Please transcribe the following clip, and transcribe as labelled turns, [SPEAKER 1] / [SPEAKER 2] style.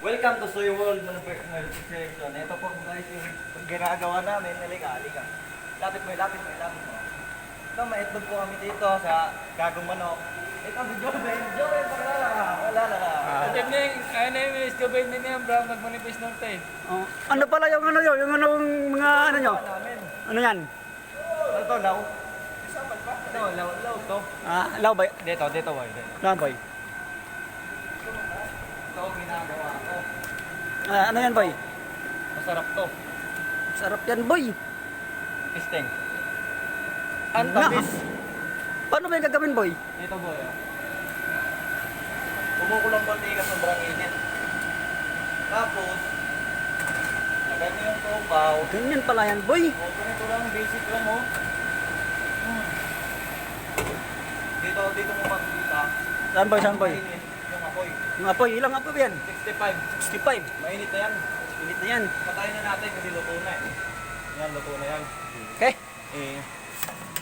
[SPEAKER 1] Welcome to Soy World Manufacturing. Ito po guys yung ginagawa namin. Halika. Lapit mo. Ito, maitlog po kami dito sa Gagong Manok. Ito, Joven, wala na.
[SPEAKER 2] Good evening, my name is Joven Niniam from Nagmanipis Norte.
[SPEAKER 3] Oh, ano pala yung ano yun? Yung anong mga ano nyo?
[SPEAKER 1] Namin.
[SPEAKER 3] Ano yan?
[SPEAKER 1] Ano to, law? Ito, law to.
[SPEAKER 3] Ah, lawbay.
[SPEAKER 1] Dito, boy.
[SPEAKER 3] Lawbay.
[SPEAKER 1] Ito, ginagawa ko.
[SPEAKER 3] Ah, ano yan, boy?
[SPEAKER 1] Masarap to.
[SPEAKER 3] Sarap yan, boy.
[SPEAKER 1] Pisting. Ang tamis.
[SPEAKER 3] Paano ba yung gagawin, boy?
[SPEAKER 1] Dito, boy. Kumukulong mantika, sobrang init. Tapos, lagyan mo yung tubaw.
[SPEAKER 3] Ganyan pala yan, boy.
[SPEAKER 1] O, ganito lang, basic lang, oh. Dito mo makikita.
[SPEAKER 3] Saan, boy? Saan, boy?
[SPEAKER 1] Mainit yung apoy.
[SPEAKER 3] Yung apoy, ilang apoy ba yan?
[SPEAKER 1] 65.
[SPEAKER 3] 65.
[SPEAKER 1] Mainit na yan.
[SPEAKER 3] Init na yan.
[SPEAKER 1] Patayin na natin kasi luto na eh. Yan, luto na yan.
[SPEAKER 3] Okay.